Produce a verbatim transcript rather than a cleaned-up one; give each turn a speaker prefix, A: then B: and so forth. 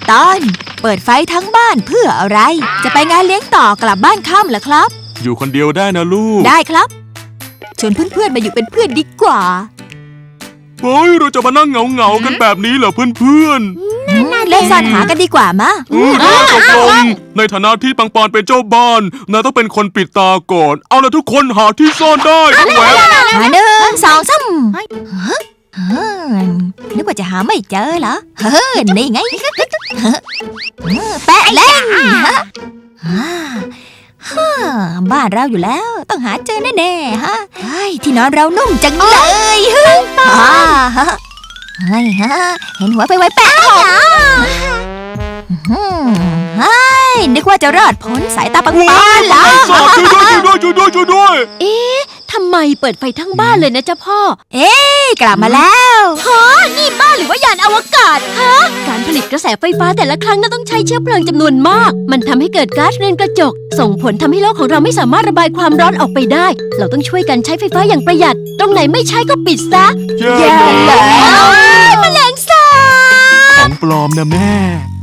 A: ตอนเปิดไฟทั้งบ้านเพื่ออะไร จะไปงานเลี้ยงต่อกลับบ้านค่ำเหรอครับ
B: อยู่คนเดียวได้นะลูก
A: ได้ครับชวนเพื่อนๆมาอยู่เป็นเพื่อนดีกว่า
B: เฮ้ยเราจะมานั่งเหงาเหงาๆกันแบบนี้เหรอเพื่อน
A: เล่นซ่อนหากันดีกว่ามะ
B: ๆอืมตกลงในฐานะที่ปังปอนเป็นเจ้าบ้านนายต้องเป็นคนปิดตาก่อนเอาละทุกคนหาที่ซ่อนได้แหวะ
A: หาหนึ่งสองสามเฮ้ยนึกว่าจะหาไม่เจอเหรอเฮ้ยนี่ไงแปะเล่นบ้านเราอยู่แล้วต้องหาเจอแน่ๆฮะเฮ้ยที่นอนเรานุ่มจังเลยเฮ้ยเฮ้ยฮะเห็นหัวไปไวแปะเฮ้ยนึกว่าจะรอดพ้นสายตาปังปอนเหรอ
B: สอบช่วยด้วยช่วยด้วยช่วยด้วยช่วยด้วย
C: เอ๊ะทำไมเปิดไฟทั้งบ้านเลยนะจ๊ะพ่อ
A: เอ๊ะกลับมาแล้ว
C: ฮะนี่บ้านหรือว่ายานอวกาศฮะการผลิตกระแสไฟฟ้าแต่ละครั้งน่าต้องใช้เชื้อเพลิงจำนวนมาก มันทำให้เกิดก๊าซเรือนกระจก ส่งผลทำให้โลกของเราไม่สามารถระบายความร้อนออกไปได้ เราต้องช่วยกันใช้ไฟฟ้าอย่างประหยัด ตรงไหนไม่ใช้ก็ปิดซะ
B: แย่
A: แย่แล้ว
C: แมลงสาบ
B: ของปลอมนะแม่